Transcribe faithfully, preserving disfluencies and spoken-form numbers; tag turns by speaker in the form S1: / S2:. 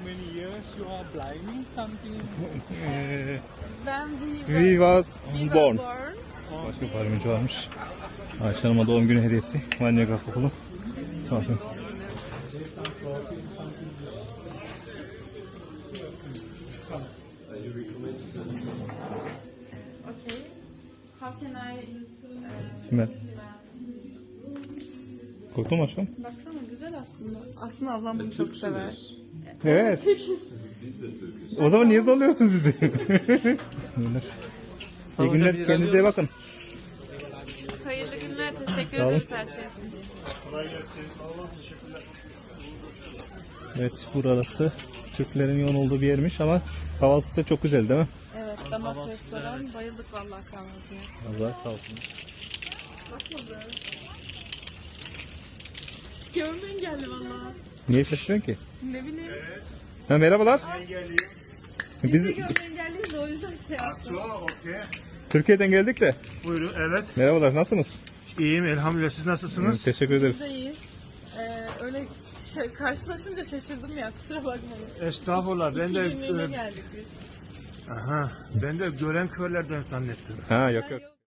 S1: many years you are blind something?
S2: Ee,
S3: When we
S2: we
S3: were,
S2: was
S3: we were
S2: born.
S3: born.
S2: Başka parmacı varmış. Ayşe Hanım'a doğum günü hediyesi. Vanya Kakukulu. Bakın.
S3: Okay. How can I use uh,
S2: Smell. Korktun mu aşkım?
S3: Baksana güzel aslında. Aslında ablam bunu çok sever.
S2: Evet. O zaman niye zorluyorsunuz bizi? İyi günler. Kendinize iyi bakın.
S3: Hayırlı günler. Teşekkür
S2: Sağ olun.
S3: ederiz her şey için.
S2: Evet, burası Türklerin yoğun olduğu bir yermiş ama kahvaltısı da çok güzel değil mi?
S3: Evet, damak restoran. Bayıldık vallahi kahvaltıya.
S2: Allah sağ olsun.
S3: Bakma be. Görmen geldi vallahi.
S2: Niye şaşırıyorsun ki?
S3: Ne bileyim.
S2: Ha, merhabalar. Biz
S3: Biz de görmen geldi de o yüzden şey yaptım.
S2: Türkiye'den geldik de.
S4: Buyurun, evet.
S2: Merhabalar, nasılsınız?
S4: İyiyim elhamdülillah. Siz nasılsınız?
S2: Teşekkür ederiz.
S3: Buradayız. Ee, öyle şey, karşılaşınca şaşırdım ya, kusura bakmayın.
S4: Estağfurullah. Ben
S3: İki
S4: de
S3: yemeğine
S4: e,
S3: geldik biz.
S4: aha, ben de gören körlerden zannettim.
S2: Ha, yok yok.